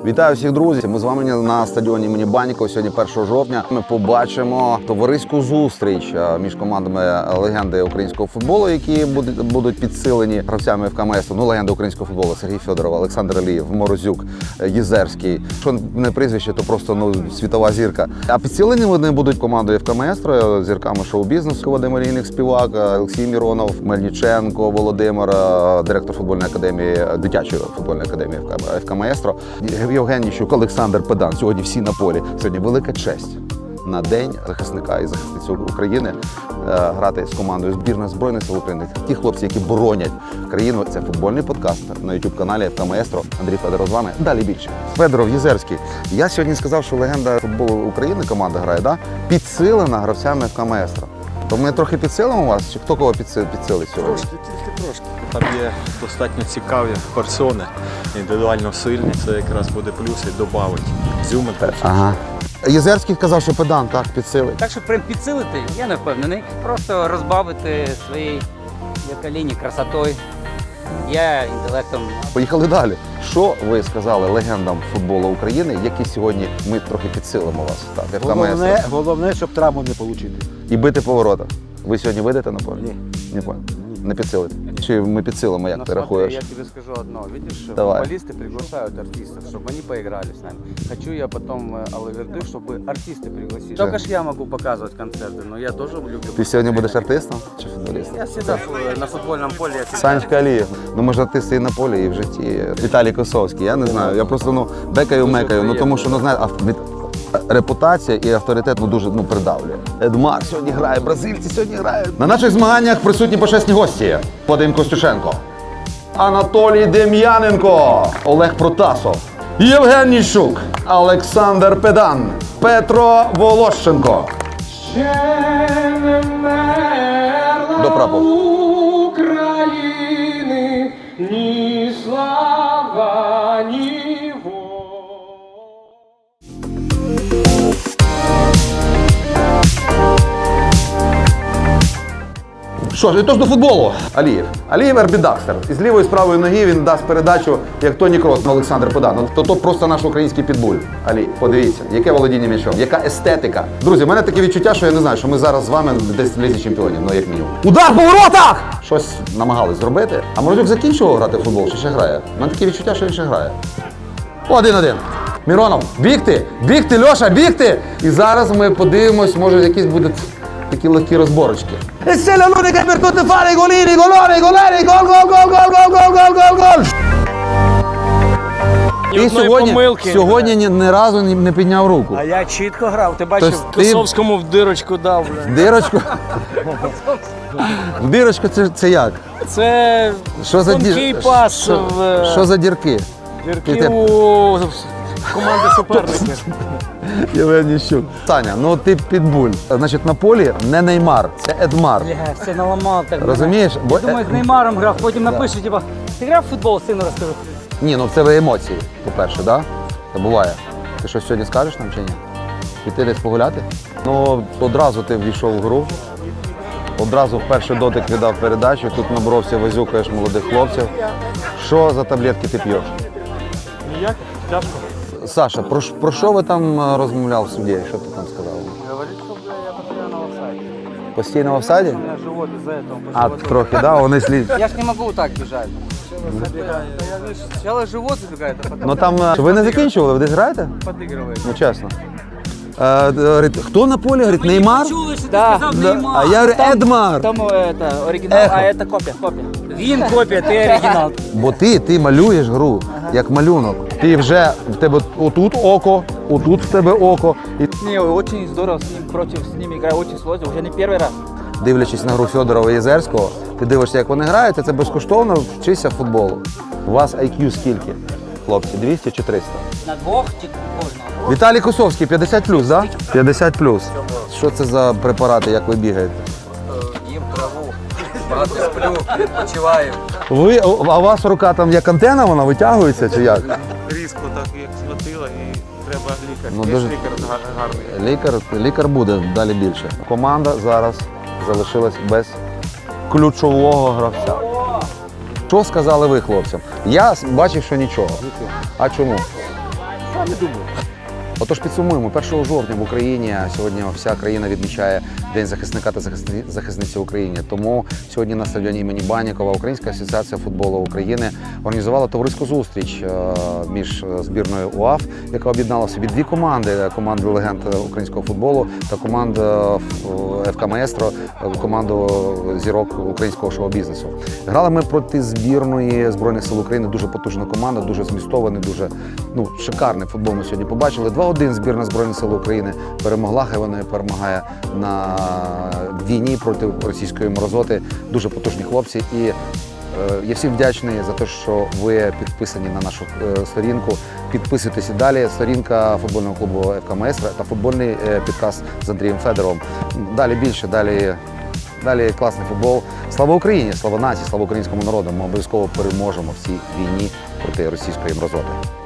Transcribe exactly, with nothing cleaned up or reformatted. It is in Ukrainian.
Вітаю всіх, друзі! Ми з вами на стадіоні імені Банікова. Сьогодні першого жовтня ми побачимо товариську зустріч між командами легенди українського футболу, які будуть підсилені гравцями ФК. Ну, легенда українського футболу Сергій Федоров, Олександр Алієв, Морозюк, Єзерський. Що не прізвище, то просто ну, світова зірка. А підсилені вони будуть командою ФК Маестро, зірками шоу-бізнесу, Вадим Олійник, співак, Олексій Міронов, Мельниченко, Володимир, директор футбольної академії, дитячої футбольної академії ФК Маестро. Євгеній Щук, Олександр Педан. Сьогодні всі на полі. Сьогодні велика честь на День захисника і захисниці України грати з командою збірної Збройних сил України. Ті хлопці, які боронять країну. Це футбольний подкаст на ютуб-каналі ФК Маестро. Андрій Федоров з вами. Далі більше. Федоров, Єзерський. Я сьогодні сказав, що легенда футболу України, команда грає, да? підсилена гравцями ФК Маестро. То ми трохи підсилимо вас? Чи хто кого підсилить сьогодні? Трошки, тільки трошки. Там є достатньо цікаві персони, індивідуально сильні. Це якраз буде плюс і додавить зюми. Ага. Єзерський казав, що Педан так підсилить. Так, щоб прям підсилити, я не впевнений. Просто розбавити своєю лінії красотою, я інтелектом. Поїхали далі. Що ви сказали легендам футболу України, які сьогодні ми трохи підсилимо вас? Так, головне, головне, щоб травму не отримати. І бити по воротах. Ви сьогодні вийдете на поле? Ні. Не понял. Не підсилите? Чи ми підсилимо, як Но ти смотри, рахуєш? я тебе скажу одно. Видишь, Давай. футболисты приглашают артистов, чтобы они поиграли с нами. Хочу я потом Алаверды, чтобы артисты пригласили. Да. Только ж я могу показывать концерты, но я тоже люблю. Ти сьогодні будеш артистом чи футболістом? Я всегда фу- на футбольном поле. Я всегда... Санечка Алієв. Ну, ми ж артисти і на полі, і в житті. Віталій Косовський, я не знаю. Я просто ну, бекаю-мекаю. Ну, тому що, ну, знаєте, ав- від- репутація і авторитет ну, дуже ну, придавлює. Едмар сьогодні грає, бразильці сьогодні грають. На наших змаганнях присутні почесні гості. Вадим Костюшенко, Анатолій Дем'яненко, Олег Протасов, Євгеній Щук, Олександр Педан, Петро Волощенко. До прапору. України ні слава, ні воля. Що ж, і тож до футболу. Алієв. Алієв Ербідакстер. Із лівої, з правої ноги він дасть передачу, як Тоні Крос на Олександр Педан. То то просто наш український підбуль. Алі, подивіться, яке володіння м'ячом, яка естетика. Друзі, в мене таке відчуття, що я не знаю, що ми зараз з вами десь в лізі чемпіонів, ну як мінімум. Удар по воротах! Щось намагались зробити. А Морозюк закінчував грати в футбол, чи ще грає? У мене таке відчуття, що він ще грає. Один-один. Міронов, бігти, бігти, Льоша, бігти! І зараз ми подивимось, може якісь будуть такі легкі розборочки. E se la l'unica per tutti fare i golini, goloni, golini, gol, gol, gol, gol, gol, gol, gol, gol, gol! Ти сьогодні, помилки. сьогодні ні, ні разу не, не підняв руку. А я чітко грав, ти бачив? Тобто ти Косовському в дирочку дав. Бля. в дирочку? В дирочку це, це як? Це Що за, тонкий дір... пас що, в що за дірки? дірки ти- у команди суперників. Євгеній Щук. Саня, ну ти підбуль. Значить, на полі не Неймар, це Едмар. Бля, все наламав так. Розумієш? Бо, Я думаю, з Неймаром грав, потім напишу, типа, ти грав в футбол, сину розкажу. Ні, ну в тебе емоції, по-перше, так? Да? Це буває. Ти щось сьогодні скажеш нам чи ні? Піти десь погуляти? Ну, одразу ти ввійшов в гру. Одразу в перший дотик віддав передачу, тут наборовся, визюкаєш молодих хлопців. Що за таблетки ти п'єш? Ніяк, тяжко. Саша, про, ш- про що ви там е, розмовляв в суді? Що ти там сказав? Говорит, что бля, я постоянно в офсайде. Постійно в офсайді? У меня живот из-за этого. А, живот- трохи, так? Да? Вони слід. Я ж не могу так бежать. Я, видишь, сначала живот забегает, а потом Ну там, е, ви не закінчували, ви десь граєте? подыгрывает. Ну чесно. Е, д- говорить, хто на полі? Говорить, Неймар? Чули, що ти Да, сказав Да. Неймар. А я говорю, Едмар. Там это оригинал, Эхо. а это копия, копия. Він копія, ти оригінал. Бо ти, ти малюєш гру, як малюнок. Ти вже, в тебе отут око, отут в тебе око. І Не, очень здорово с ним, против с ними играю, очень сложно, уже не первый раз. дивлячись на гру Федорова і Єзерського, ти дивишся, як вони грають, і це безкоштовно вчишся футболу. У вас ай к'ю скільки, хлопці? двісті чи триста? На двох чи кожного? Віталій Косовський, п'ятдесят плюс, так? Да? п'ятдесят плюс. Що це за препарати, як ви бігаєте? Їм траву, багато сплю, відпочиваю. Ви, а у вас рука там як антена, вона витягується чи як? Різко так як схватило і треба лікар. Ну, Є дуже- ж лікар гар- гарний. Лікар, лікар буде далі більше. Команда зараз залишилась без ключового гравця. Що сказали ви хлопцям? Я бачив, що нічого. А чому? Самі думають. Отож, підсумуємо, першого жовтня в Україні сьогодні вся країна відмічає День захисника та захисни- захисниці України. Тому сьогодні на стадіоні імені Банікова Українська асоціація футболу України організувала товариську зустріч е, між збірною УАФ, яка об'єднала в собі дві команди: команду легенд українського футболу та команду ФК Маестро, команду зірок українського шоу-бізнесу. Грали ми проти збірної Збройних сил України, дуже потужна команда, дуже змістований, дуже ну, шикарний футбол ми сьогодні побачили. два один збірна Збройних сил України перемогла, хай вона перемагає на війні проти російської морозоти. Дуже потужні хлопці. І е, я всім вдячний за те, що ви підписані на нашу е, сторінку. Підписуйтесь і далі. Сторінка футбольного клубу ФК Маестро та футбольний е, підкаст з Андрієм Федоровим. Далі більше, далі, далі класний футбол. Слава Україні, слава нації, слава українському народу. Ми обов'язково переможемо в цій війні проти російської морозоти.